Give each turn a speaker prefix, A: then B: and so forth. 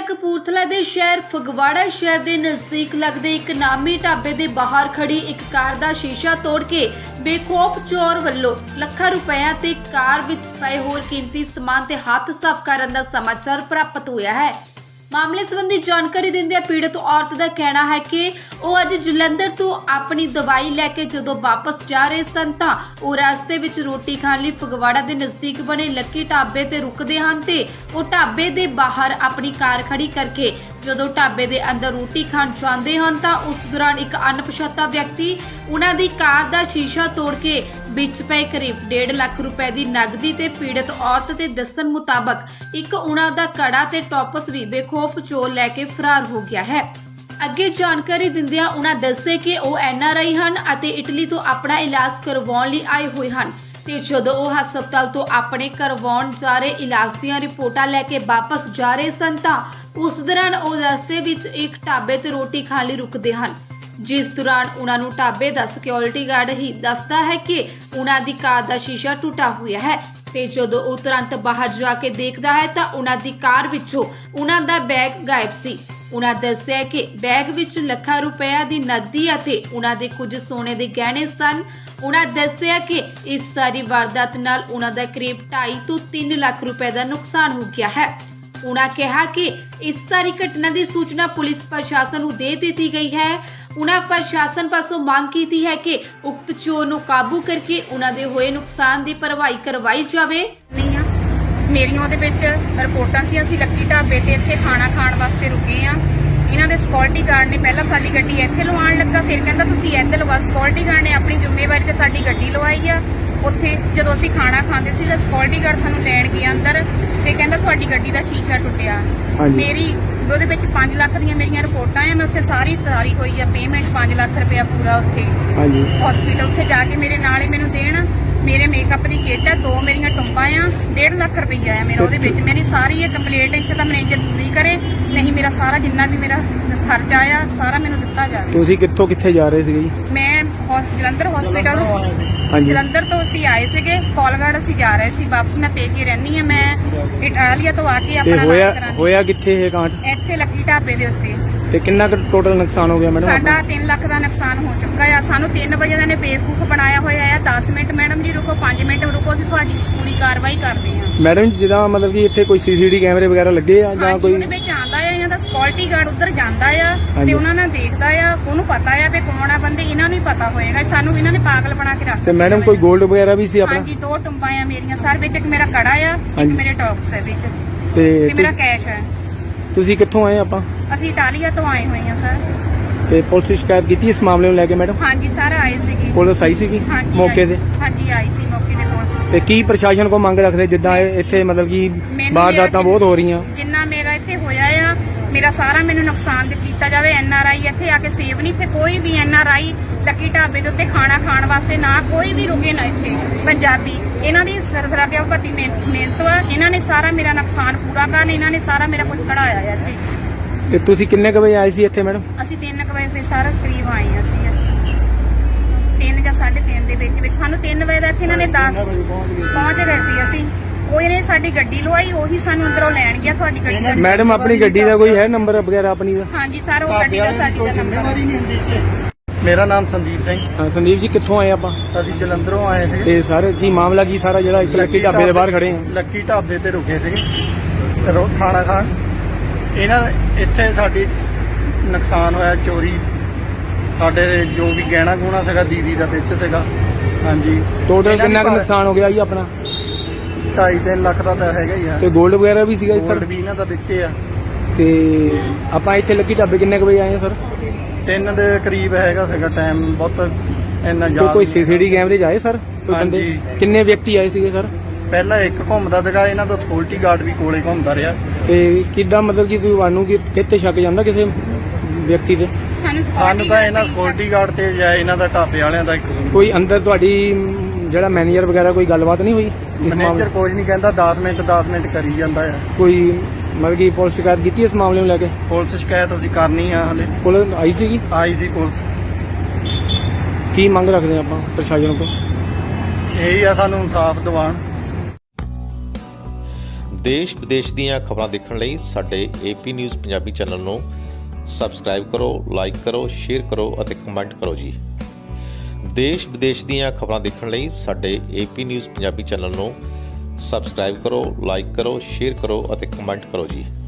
A: कपूरथला दे शहर फगवाड़ा शहर के नज़दीक लगदे एक नामी ढाबे के बाहर खड़ी एक कार का शीशा तोड़ के बेखौफ चोर वल्लों ਲੱਖਾਂ रुपया ते कार विच पए होर कीमती समान ते हथ साफ करन दा समाचार प्राप्त होया है। मामले संबंधी जानकारी दिंदे पीड़ित औरत का कहना है कि वो अज जलंधर तो अपनी दवाई लैके जदों वापस जा रहे सन तां वो रास्ते विच रोटी खाण लई फगवाड़ा के नज़दीक बने लक्की ढाबे ते रुकदे हन ते वो ढाबे दे बाहर अपनी कार खड़ी करके जदों ढाबे दे अंदर रोटी खाण जांदे हन तां उस दौरान एक अणपछाता व्यक्ति उन्हां दी कार दा शीशा तोड़ के विच पए करीब 1.5 लाख रुपए की नगदी ते पीड़ित औरत के दस्सण मुताबक एक उन्हां दा कड़ा ते टॉपस भी बेखौफ चोर लैके फरार हो गया है। अगे जानकारी दिंदियां उन्हां दस्से कि वो NRI हन अते इटली तो अपना इलाज करवाउण लई आए होए हन ते जदों वो हस्पताल तो अपने करवाउण जा रहे इलाज दीआं रिपोर्टां लैके वापस जा रहे सन तां उस दौरान वो रस्ते विच एक ढाबे ते रोटी खाण लई रुकदे हन, जिस दौरान उन्होंने ढाबे का सिक्योरिटी गार्ड ही दसदा है कि उन्हों दी कार का शीशा टूटा हुआ है ते जदों वो तुरंत बाहर जाके देखदा है तां उन्हां दी कार विचों उन्हां दा बैग गायब सी। उन्हां दस्सिया कि बैग विच ਲੱਖਾਂ रुपया की नगदी अते उन्हां दे कुछ सोने के गहने सन। उन्हां दस्सिया कि इस सारी वारदात नाल उन्हां दा करीब 2.5 तो 3 लाख रुपए का नुकसान हो गया है। उन्हां कहा कि इस सारी घटना की सूचना पुलिस प्रशासन को दे दी गई है। उन्हां प्रशासन पासों मांग की है कि उक्त चोर नूं काबू करके उन्हां दे होए नुकसान की भरवाई करवाई जावे।
B: मेरियां ਉਹਦੇ ਵਿੱਚ ਰਿਪੋਰਟਾਂ ਸੀ ਅਸੀਂ ਲੱਕੀ ਢਾਬੇ ਤੇ ਇੱਥੇ ਖਾਣਾ ਖਾਣ ਵਾਸਤੇ ਰੁਕੇ ਆ। ਇਹਨਾਂ ਦੇ ਸਿਕਿਉਰਿਟੀ ਗਾਰਡ ਨੇ ਪਹਿਲਾਂ ਸਾਡੀ ਗੱਡੀ ਇੱਥੇ ਲਵਾਉਣ ਲੱਗਾ, ਫਿਰ ਕਹਿੰਦਾ ਤੁਸੀਂ ਇੱਥੇ ਲਵਾ। ਸਿਕਿਉਰਿਟੀ ਗਾਰਡ ਨੇ ਆਪਣੀ ਜ਼ਿੰਮੇਵਾਰੀ ਤੇ ਸਾਡੀ ਗੱਡੀ ਲਵਾਈ ਆ। ਉੱਥੇ ਜਦੋਂ ਅਸੀਂ ਖਾਣਾ ਖਾਂਦੇ ਸੀ ਤਾਂ ਸਿਕਿਉਰਿਟੀ ਗਾਰਡ ਸਾਨੂੰ ਲੈਣ ਗਿਆ ਅੰਦਰ ਤੇ ਕਹਿੰਦਾ ਤੁਹਾਡੀ ਗੱਡੀ ਦਾ ਸ਼ੀਸ਼ਾ ਟੁੱਟਿਆ। ਮੇਰੀ ਉਹਦੇ ਵਿੱਚ 5 ਲੱਖ ਦੀਆਂ ਮੇਰੀਆਂ ਰਿਪੋਰਟਾਂ ਆ। ਮੈਂ ਉੱਥੇ ਸਾਰੀ ਤਾਰੀ ਹੋਈ ਆ ਪੇਮੈਂਟ 5 ਲੱਖ ਰੁਪਇਆ ਪੂਰਾ ਉੱਥੇ ਹਸਪੀਟਲ ਉੱਥੇ ਜਾ ਕੇ ਮੇਰੇ ਨਾਲ ਹੀ ਮੈਨੂੰ ਦੇਣ। ਮੇਰੇ ਮੇਕਅਪ ਦੀ ਕਿੱਟ ਆ, 2 ਮੇਰੀਆਂ ਟੁੰਬਾਂ ਆ, 1.5 ਲੱਖ ਰੁਪਈਆ ਆ ਮੇਰਾ ਉਹਦੇ ਵਿੱਚ। ਮੇਰੀ ਸਾਰੀ ਇਹ ਕੰਪਲੀਟ ਇੱਥੇ ਤਾਂ ਮੈਨੇਜਰ ਪੂਰੀ ਕਰੇ, ਨਹੀਂ ਮੇਰਾ ਸਾਰਾ ਜਿੰਨਾ ਵੀ ਮੇਰਾ ਖਰਚਾ ਆ ਸਾਰਾ ਮੈਨੂੰ ਦਿੱਤਾ ਜਾਵੇ।
C: ਤੁਸੀਂ ਕਿੱਥੋਂ ਕਿੱਥੇ ਜਾ ਰਹੇ ਸੀਗੇ ਜੀ?
B: ਮੈਂ ਜਲੰਧਰ ਹਸਪੀਟਲ ਜਲੰਧਰ ਤੋਂ ਅਸੀਂ ਆਏ ਸੀਗੇ, ਕੋਲਗੜ ਅਸੀਂ ਜਾ ਰਹੇ ਸੀ ਵਾਪਸ। ਮੈਂ ਪੇਕੇ ਰਹਿੰਦੀ ਆ, ਮੈਂ ਇਟਾਲੀਆ ਤੋਂ ਆ ਕੇ ਆਪਣਾ
C: ਹੋਇਆ ਕਿੱਥੇ ਇਹ ਕਾਂਡ?
B: ਇੱਥੇ ਲੱਕੀ ਢਾਬੇ ਦੇ ਉੱਤੇ।
C: ਤੇ ਕਿੰਨਾ ਕੁ ਟੋਟਲ ਨੁਕਸਾਨ ਹੋ ਗਿਆ ਮੈਡਮ?
B: ਸਾਡਾ 3 ਲੱਖ ਦਾ ਨੁਕਸਾਨ ਹੋ ਚੁੱਕਾ ਆ। ਸਾਨੂੰ 3 ਵਜੇ ਦਾ ਨੇ ਬੇਵਕੂਫ ਬਣਾਇਆ ਹੋਇਆ ਆ। 10 ਮਿੰਟ ਮੈਡਮ ਜੀ ਰੁਕੋ, 5 ਮਿੰਟ ਰੁਕੋ, ਅਸੀਂ ਤੁਹਾਡੀ ਪੂਰੀ ਕਾਰਵਾਈ ਕਰਦੇ ਹਾਂ।
C: ਮੈਡਮ ਜੀ ਜਿੱਦਾਂ ਮਤਲਬ ਕਿ ਇੱਥੇ ਕੋਈ CCTV ਕੈਮਰੇ ਵਗੈਰਾ ਲੱਗੇ ਆ ਜਾਂ ਕੋਈ?
B: ਉਹਦੇ ਵਿੱਚ ਆਉਂਦਾ ਆ, ਇਹਨਾਂ ਦਾ ਸਿਕਿਉਰਿਟੀ ਗਾਰਡ ਉੱਧਰ ਜਾਂਦਾ ਆ ਤੇ ਉਹਨਾਂ ਨਾਲ ਦੇਖਦਾ ਆ। ਉਹਨੂੰ ਪਤਾ ਆ ਵੀ ਕੌਣ ਆ ਬੰਦੇ, ਇਹਨਾਂ ਨੂੰ ਹੀ ਪਤਾ ਹੋਏਗਾ। ਸਾਨੂੰ ਇਹਨਾਂ ਨੇ ਪਾਗਲ ਬਣਾ ਕੇ ਰੱਖਿਆ।
C: ਤੇ ਮੈਡਮ ਕੋਈ 골ਡ ਵਗੈਰਾ ਵੀ ਸੀ ਆਪਣਾ?
B: ਹਾਂਜੀ 2 ਟੁੰਬਾਂ ਆ ਮੇਰੀਆਂ ਸਰ ਵਿੱਚ, ਇੱਕ ਮੇਰਾ ਕੜਾ ਆ, ਇੱਕ ਮੇਰੇ ਟੌਪਸ ਹੈ ਵਿੱਚ ਤੇ ਮੇਰਾ ਕੈਸ਼ ਹੈ।
C: ਤੁਸੀਂ ਕਿੱਥੋਂ ਆਏ? ਆਪਾਂ
B: ਅਸੀਂ ਇਟਾਲੀਆ ਤੋਂ ਆਏ ਹੋਏ ਆ ਸਰ।
C: ਤੇ ਪੁਲਿਸ ਸ਼ਿਕਾਇਤ ਕੀਤੀ ਇਸ ਮਾਮਲੇ ਨੂੰ ਲੈ ਕੇ ਮੈਡਮ?
B: ਹਾਂਜੀ ਸਰ ਆਏ ਸੀਗੇ,
C: ਪੁਲਿਸ ਆਈ ਸੀਗੀ ਮੌਕੇ ਤੇ?
B: ਹਾਂਜੀ ਆਈ ਸੀ ਮੌਕੇ ਤੇ ਪੁਲਿਸ।
C: ਤੇ ਕੀ ਪ੍ਰਸ਼ਾਸਨ ਕੋ ਮੰਗ ਰੱਖਦੇ ਜਿੱਦਾਂ ਇੱਥੇ ਮਤਲਬ ਕਿ ਵਾਰਦਾਤਾਂ ਬਹੁਤ ਹੋ ਰਹੀਆਂ?
B: ਜਿੰਨਾ ਮੇਰਾ ਇੱਥੇ ਹੋਇਆ ਆ, ਮੇਰਾ ਸਾਰਾ ਮੈਨੂੰ ਨੁਕਸਾਨ ਕੀਤਾ ਜਾਵੇ। NRI ਇੱਥੇ ਆ ਕੇ ਸੇਵ ਨਹੀਂ, ਇੱਥੇ ਕੋਈ ਵੀ NRI ਲੱਕੀ ਢਾਬੇ ਦੇ ਉੱਤੇ ਖਾਣਾ ਖਾਣ ਵਾਸਤੇ ਨਾ ਕੋਈ ਵੀ ਰੁਕੇ ਨਾ। ਇੱਥੇ ਪੰਜਾਬੀ ਇਹਨਾਂ ਦੀ ਸਰਸਰਾ ਦੇ ਭਰਤੀ ਮਿਹਨਤ ਵਾ। ਇਹਨਾਂ ਨੇ ਸਾਰਾ ਮੇਰਾ ਨੁਕਸਾਨ ਪੂਰਾ ਕਰਨ, ਇਹਨਾਂ ਨੇ ਸਾਰਾ ਮੇਰਾ ਕੁਝ ਕਢਾਇਆ ਆ ਇੱਥੇ।
C: ਤੇ ਤੁਸੀਂ ਕਿੰਨੇ ਕੁ ਵਜੇ ਆਏ ਸੀ ਇੱਥੇ ਮੈਡਮ?
B: ਅਸੀਂ 3 ਵਜੇ ਤੇ ਸਾਰਾ ਕਰੀਬ ਆਏ ਹਾਂ ਅਸੀਂ 3 ਜਾਂ 3:30 ਦੇ ਵਿੱਚ। ਸਾਨੂੰ 3 ਵਜੇ ਦਾ ਇੱਥੇ ਇਹਨਾਂ ਨੇ ਪਹੁੰਚ ਗਏ ਸੀ ਅਸੀਂ। ਉਹ ਇਹਨੇ ਸਾਡੀ ਗੱਡੀ ਲਵਾਈ, ਉਹੀ ਸਾਨੂੰ ਅੰਦਰੋਂ ਲੈਣ ਗਿਆ। ਤੁਹਾਡੀ ਗੱਡੀ ਦਾ
C: ਮੈਡਮ ਆਪਣੀ ਗੱਡੀ ਦਾ ਕੋਈ ਹੈ ਨੰਬਰ ਵਗੈਰਾ ਆਪਣੀ ਦਾ?
B: ਹਾਂਜੀ ਸਰ ਉਹ ਗੱਡੀ ਦਾ ਸਾਡੀ ਦਾ ਨੰਬਰ।
D: ਮੇਰਾ ਨਾਮ ਸੰਦੀਪ ਸਿੰਘ।
C: ਹਾਂ ਸੰਦੀਪ ਜੀ ਕਿੱਥੋਂ ਆਏ ਆਪਾਂ?
D: ਅਸੀਂ ਜਲੰਧਰੋਂ ਆਏ ਸੀ।
C: ਤੇ ਸਰ ਕੀ ਮਾਮਲਾ ਕੀ ਸਾਰਾ ਜਿਹੜਾ ਇੱਕ ਲੱਕੀ ਢਾਬੇ ਦੇ ਬਾਹਰ ਖੜੇ ਆ?
D: ਲੱਕੀ ਢਾਬੇ ਤੇ ਰੁਕੇ ਸੀਗੇ ਖਾਣਾ ਖਾਣ। ਇਹਨਾਂ ਇੱਥੇ ਸਾਡੀ ਨੁਕਸਾਨ ਹੋਇਆ, ਚੋਰੀ। ਸਾਡੇ ਜੋ ਵੀ ਗਹਿਣਾ ਗੁਣਾ ਸੀਗਾ ਦੀਦੀ ਦਾ ਵਿੱਚ ਸੀਗਾ। ਹਾਂਜੀ
C: ਟੋਟਲ ਕਿੰਨਾ ਕੁ ਨੁਕਸਾਨ ਹੋ ਗਿਆ ਜੀ ਆਪਣਾ?
D: 2.5-3 ਲੱਖ ਦਾ ਤਾਂ ਹੈਗਾ ਹੀ ਆ।
C: ਤੇ 골ਡ ਵਗੈਰਾ ਵੀ ਸੀਗਾ ਜੀ ਸਰ?
D: 골ਡ ਵੀ ਇਹਨਾਂ ਦਾ ਵਿੱਚੇ ਆ।
C: ਤੇ ਆਪਾਂ ਇੱਥੇ ਲੱਕੀ ਢਾਬੇ ਕਿੰਨੇ ਕੁ ਵਜੇ ਆਏ ਆ ਸਰ?
D: 3 ਦੇ ਕਰੀਬ ਹੈਗਾ ਸੀਗਾ ਟਾਈਮ, ਬਹੁਤ ਇੰਨਾ ਜ਼ਿਆਦਾ।
C: ਕੋਈ CCTV ਕੈਮਰੇ 'ਚ ਆਏ ਸਰ ਕੋਈ ਬੰਦੇ? ਕਿੰਨੇ ਵਿਅਕਤੀ ਆਏ ਸੀਗੇ ਸਰ?
D: ਪਹਿਲਾਂ ਇੱਕ ਘੁੰਮਦਾ ਸੀਗਾ, ਇਹਨਾਂ ਦਾ ਸਿਕਿਉਰਿਟੀ ਗਾਰਡ ਵੀ ਕੋਲੇ ਘੁੰਮਦਾ ਰਿਹਾ।
C: ਤੇ ਕਿੱਦਾਂ ਮਤਲਬ ਕਿ ਤੁਹਾਨੂੰ ਕਿਤੇ ਸ਼ੱਕ ਜਾਂਦਾ ਕਿਸੇ ਵਿਅਕਤੀ ਤੇ?
D: ਸਾਨੂੰ ਤਾਂ ਇਹਨਾਂ ਸਿਕਿਉਰਿਟੀ ਗਾਰਡ ਤੇ ਜਾਂ ਇਹਨਾਂ ਦਾ ਢਾਬੇ ਵਾਲਿਆਂ ਦਾ
C: ਕੋਈ ਅੰਦਰ ਤੁਹਾਡੀ ਜਿਹੜਾ ਮੈਨੇਜਰ ਵਗੈਰਾ ਕੋਈ ਗੱਲਬਾਤ ਨਹੀਂ ਹੋਈ?
D: ਮੈਨੇਜਰ ਕੁਝ ਨਹੀਂ ਕਹਿੰਦਾ, 10 ਮਿੰਟ ਕਰੀ ਜਾਂਦਾ ਆ।
C: ਕੋਈ ਮਤਲਬ ਕਿ ਪੁਲਿਸ ਸ਼ਿਕਾਇਤ ਕੀਤੀ ਇਸ ਮਾਮਲੇ ਨੂੰ ਲੈ ਕੇ?
D: ਪੁਲਿਸ ਸ਼ਿਕਾਇਤ ਅਸੀਂ ਕਰਨੀ ਆ, ਹਲੇ
C: ਪੁਲਿਸ ਆਈ ਸੀਗੀ?
D: ਆਈ ਸੀ ਪੁਲਿਸ।
C: ਕੀ ਮੰਗ ਰੱਖਦੇ ਆਪਾਂ ਪ੍ਰਸ਼ਾਸਨ ਕੋਲ?
D: ਇਹੀ ਆ ਸਾਨੂੰ ਇਨਸਾਫ ਦਿਵਾਉਣ।
E: ਦੇਸ਼ ਵਿਦੇਸ਼ ਦੀਆਂ ਖਬਰਾਂ ਦੇਖਣ ਲਈ ਸਾਡੇ AP ਨਿਊਜ਼ ਪੰਜਾਬੀ ਚੈਨਲ ਨੂੰ ਸਬਸਕ੍ਰਾਈਬ ਕਰੋ, ਲਾਈਕ ਕਰੋ, ਸ਼ੇਅਰ ਕਰੋ ਅਤੇ ਕਮੈਂਟ ਕਰੋ ਜੀ। ਦੇਸ਼ ਵਿਦੇਸ਼ ਦੀਆਂ ਖਬਰਾਂ ਦੇਖਣ ਲਈ ਸਾਡੇ AP ਨਿਊਜ਼ ਪੰਜਾਬੀ ਚੈਨਲ ਨੂੰ ਸਬਸਕ੍ਰਾਈਬ ਕਰੋ, ਲਾਈਕ ਕਰੋ, ਸ਼ੇਅਰ ਕਰੋ ਅਤੇ ਕਮੈਂਟ ਕਰੋ ਜੀ।